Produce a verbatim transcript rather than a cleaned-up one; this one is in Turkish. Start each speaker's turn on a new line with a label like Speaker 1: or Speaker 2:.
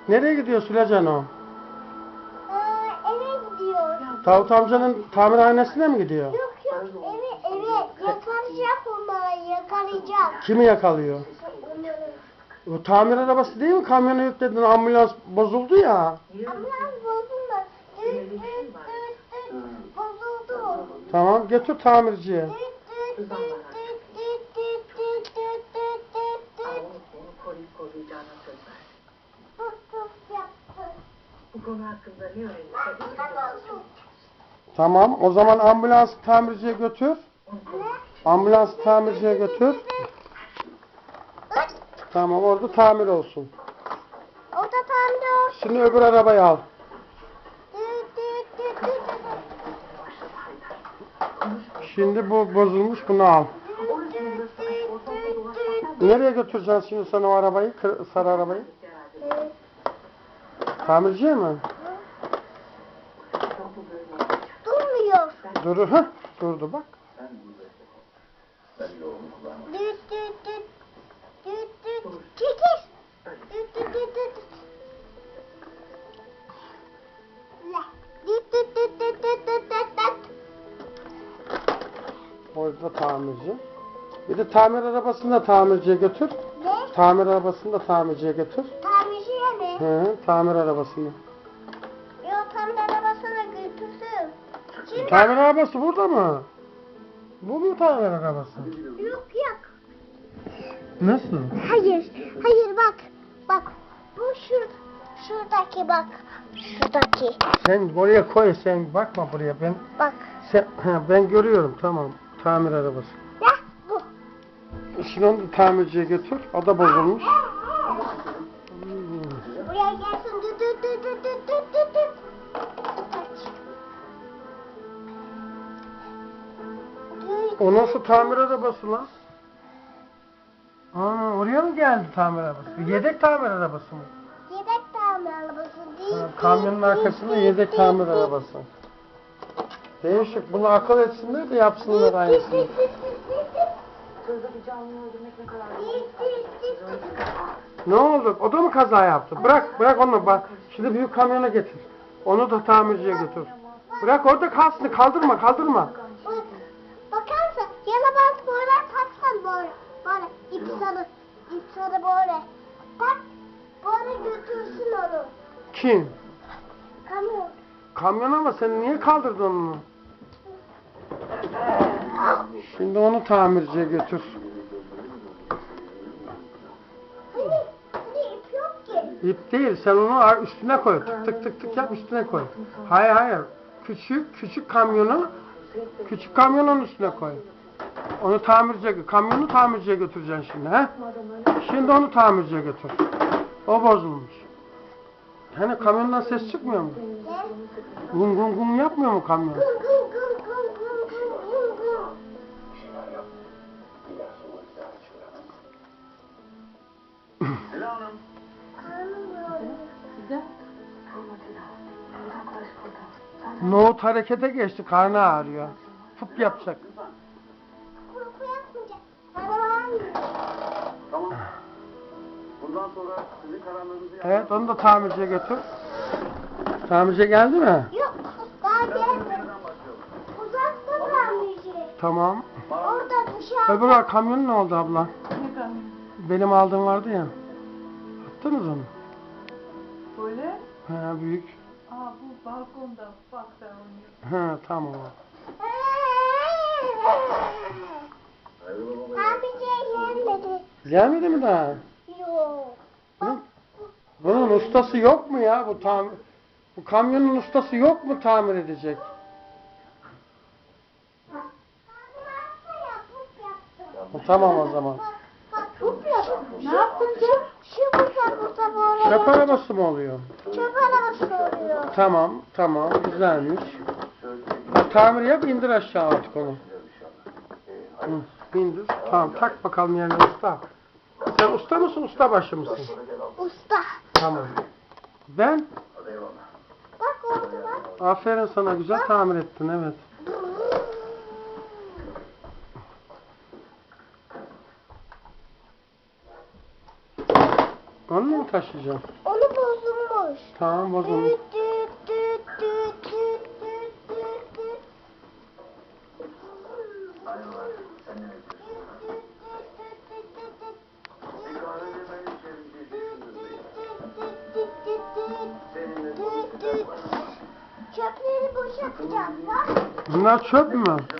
Speaker 1: Nereye gidiyor Sülecan o?
Speaker 2: Aa, eve gidiyor.
Speaker 1: Davut amcanın tamirhanesine mi gidiyor?
Speaker 2: Yok yok eve eve yakalayacak onları yakalayacak.
Speaker 1: Kimi yakalıyor?
Speaker 2: Onları.
Speaker 1: O tamir arabası değil mi? Kamyona yükledin, ambulans bozuldu ya.
Speaker 2: Ambulans bozuldu. Düt düt düt düt bozuldu.
Speaker 1: Tamam, götür tamirciye.
Speaker 2: Düt düt düt düt düt düt düt düt düt düt düt.
Speaker 3: Seni koruyup koruyacağına söz ver.
Speaker 2: Puf puf yaptı.
Speaker 3: Bu konu hakkında ne öğrenirse
Speaker 2: Ambulans bozuldu.
Speaker 1: Tamam, o zaman ambulans tamirciye götür. Ambulans tamirciye götür. Tamam, orada tamir olsun.
Speaker 2: O da tam da o.
Speaker 1: Şimdi öbür arabayı al.
Speaker 2: Düt düt düt düt düt.
Speaker 1: Şimdi bu bozulmuş, bunu al.
Speaker 2: Düt düt düt düt.
Speaker 1: Nereye götüreceksin şimdi sen o arabayı, kır- sarı arabayı?
Speaker 2: Ee,
Speaker 1: Tamirciye mi?
Speaker 2: Durmuyor.
Speaker 1: Dur, heh, durdu bak.
Speaker 2: Düt düt düt. Düt düt. Çekil. Düt düt düt düt. La. Düt düt düt düt düt düt düt düt.
Speaker 1: Orada tamirci. Bir de tamir arabasını da tamirciye götür.
Speaker 2: Ne?
Speaker 1: Tamir arabasını da tamirciye götür.
Speaker 2: Tamirciye mi?
Speaker 1: Hı, tamir arabasını.
Speaker 2: Yok tamir arabasına götürsün. Şimdi
Speaker 1: Tamir arabası burada mı? Bu mu tamir arabası?
Speaker 2: yok yok.
Speaker 1: Nasıl?
Speaker 2: Hayır. Hayır bak. Bak. Bu şur şuradaki bak. Şuradaki.
Speaker 1: Sen oraya koy, sen bakma buraya. Ben
Speaker 2: Bak.
Speaker 1: sen, ha, ben görüyorum, tamam. Tamir arabası.
Speaker 2: Ya bu.
Speaker 1: Şimdi onu da tamirciye götür. O da bozulmuş.
Speaker 2: Buraya gelsin. Düt düt düt düt düt düt düt düt. Aç. Düt.
Speaker 1: O nasıl tamir arabası lan? Aa, oraya mı geldi tamir arabası? Yedek tamir arabası mı?
Speaker 2: Yedek tamir arabası değil.
Speaker 1: Ha, kamyonun arkasında yedek tamir arabası. Değişik. Bunu akıl etsinler de yapsınlar aynısını.
Speaker 3: sözde bir canlıyı öldürmek ne kadar
Speaker 1: Ne oldu? O da mı kaza yaptı? Bırak, bırak onu. Bak. Şimdi büyük kamyona getir. Onu da tamirciye götür. Bırak orada kalsın. Kaldırma, kaldırma.
Speaker 2: Bak, bakarsan yalabaz böyle taksan böyle. Böyle ip sarı. İp sarı böyle. Tak. Böyle götürsün onu.
Speaker 1: Kim?
Speaker 2: Kamyon.
Speaker 1: Kamyon ama sen niye kaldırdın onu? Şimdi onu tamirciye götür.
Speaker 2: Hani, hani ip yok ki.
Speaker 1: İp değil, sen onu üstüne koy. Tık tık tık tık yap, üstüne koy. Hayır hayır. Küçük küçük kamyonu küçük kamyonun üstüne koy. Onu tamirciye, kamyonu tamirciye götüreceksin şimdi, he? Şimdi onu tamirciye götür. O bozulmuş. Hani kamyondan ses çıkmıyor mu?
Speaker 2: Ne?
Speaker 1: Gun gun gun yapmıyor mu kamyon?
Speaker 2: Gım gım gım gım gım gım gım gım.
Speaker 1: Nohut harekete geçti, karnı ağrıyor. Fıp yapacak.
Speaker 2: Korku yapmayacak. Bana var mı?
Speaker 4: Tamam. Bundan sonra sizin kararlarınızı
Speaker 1: Evet, onu da tamirciye götür. Tamirciye geldi mi?
Speaker 2: Yok. Daha gelmedi.
Speaker 4: nereden başlayalım?
Speaker 2: Uzakta tamirci.
Speaker 1: Tamam.
Speaker 2: Orada dışarıda.
Speaker 1: Öbür var, kamyon ne oldu abla? Benim aldığım vardı ya. Attınız onu.
Speaker 5: Böyle?
Speaker 1: Ha, büyük.
Speaker 5: Aa bu balkonda ufakta oynuyor.
Speaker 1: Ha, tamam.
Speaker 2: Tamirciye gelmedi.
Speaker 1: Gelmedi mi daha?
Speaker 2: Yok.
Speaker 1: Bunun, bunun ustası yok mu ya? Bu tamir, bu kamyonun ustası yok mu tamir edecek? Ha, tamam o zaman.
Speaker 2: Bak bu yaptı. Ne yaptın sen? Şu burada burada böyle.
Speaker 1: Çöp arabası mı oluyor?
Speaker 2: Çöp arabası oluyor.
Speaker 1: Tamam, tamam, güzelmiş. Ha, tamir yap, indir aşağı artık onu. Hı, indir. Tamam, tak bakalım yerine usta. Sen usta mısın, ustabaşı mısın?
Speaker 2: Usta.
Speaker 1: Tamam. Ben?
Speaker 2: Bak oldu bak.
Speaker 1: Aferin sana, güzel tamir ettin, evet. Onu mu taşıyacağım?
Speaker 2: Onu bozulmuş.
Speaker 1: Tamam o zaman.
Speaker 2: Düt düt düt düt düt düt düt düt.
Speaker 4: Aynen. Sen ne bekliyorsun? Bir kahve vermeyi içerim diye düşündüm. Seninle konuşacağım.
Speaker 2: Çöpleri boşaltacağım. Bak.
Speaker 1: Bunlar çöp mü?